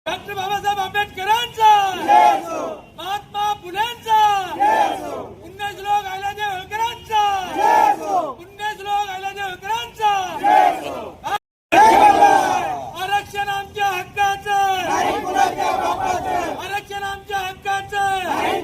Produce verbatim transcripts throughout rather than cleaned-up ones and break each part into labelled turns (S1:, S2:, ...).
S1: Doctor Babasaheb आंबेडकरांचा महात्मा फुलेंचा पुण्यश्लोक अहिल्यादेवी होळकरांचा पुण्यश्लोक अहिल्यादेवी होळकरांचा आरक्षण आमच्या हक्काचं आरक्षण आमच्या हक्काचं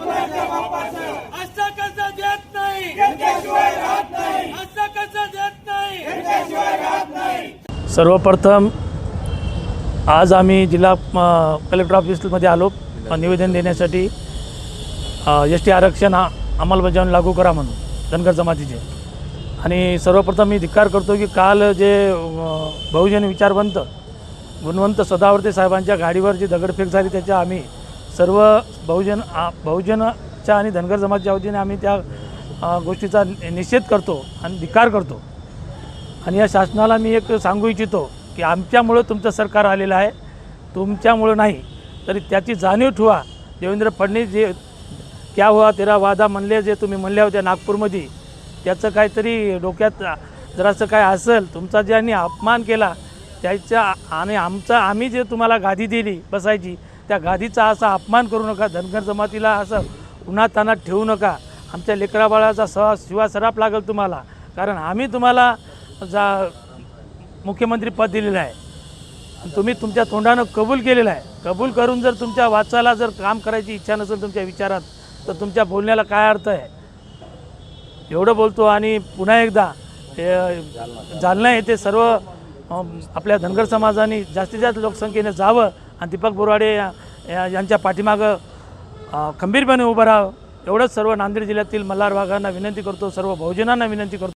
S1: असं कसं देत नाही असं कसं देत नाही।
S2: सर्वप्रथम आज आम्ही जिल्हा कलेक्टर ऑफिसमध्ये आलो निवेदन देण्यासाठी एस टी आरक्षण हा अंमलबजावणी लागू करा म्हणून धनगर जमातीचे। आणि सर्वप्रथम मी धिक्कार करतो की काल जे बहुजन विचारवंत गुणवंत सदावर्ते साहेबांच्या गाडीवर जी दगडफेक झाली त्याच्या आम्ही सर्व बहुजन बहुजनच्या आणि धनगर जमातीच्या वतीने आम्ही त्या गोष्टीचा निषेध करतो आणि धिक्कार करतो। आणि या शासनाला मी एक सांगू इच्छितो की आमच्यामुळे तुमचं सरकार आलेलं आहे, तुमच्यामुळे नाही तरी त्याची जाणीव ठेवा। देवेंद्र फडणवीस जे क्या हुआ तेरा वादा म्हणले जे तुम्ही म्हणल्या होत्या नागपूरमध्ये, त्याचं काहीतरी डोक्यात जरासं काय असेल, तुमचा ज्यांनी अपमान केला त्याच्या आणि आमचा आम्ही जे तुम्हाला गादी दिली बसायची त्या गादीचा असा अपमान करू नका। धनगर जमातीला असं उन्हातानात ठेवू नका। आमच्या लेकराबाळाचा स शिवा सराप लागेल तुम्हाला, कारण आम्ही तुम्हाला जा मुख्यमंत्री पद दिलेलं आहे, तुम्ही तुमच्या तोंडानं कबूल केलेलं आहे। कबूल करून जर तुमच्या वाचाला जर काम करायची इच्छा नसेल तुमच्या विचारात तर तुमच्या बोलण्याला काय अर्थ आहे। एवढं बोलतो आणि पुन्हा एकदा जालना येथे सर्व आपल्या धनगर समाजाने जास्तीत जास्त लोकसंख्येने जावं आणि दीपक बोराडे यांच्या पाठीमागं खंबीरपणे उभं राहावं, एवढंच सर्व नांदेड जिल्ह्यातील मल्हार भागांना विनंती करतो, सर्व बहुजनांना विनंती करतो।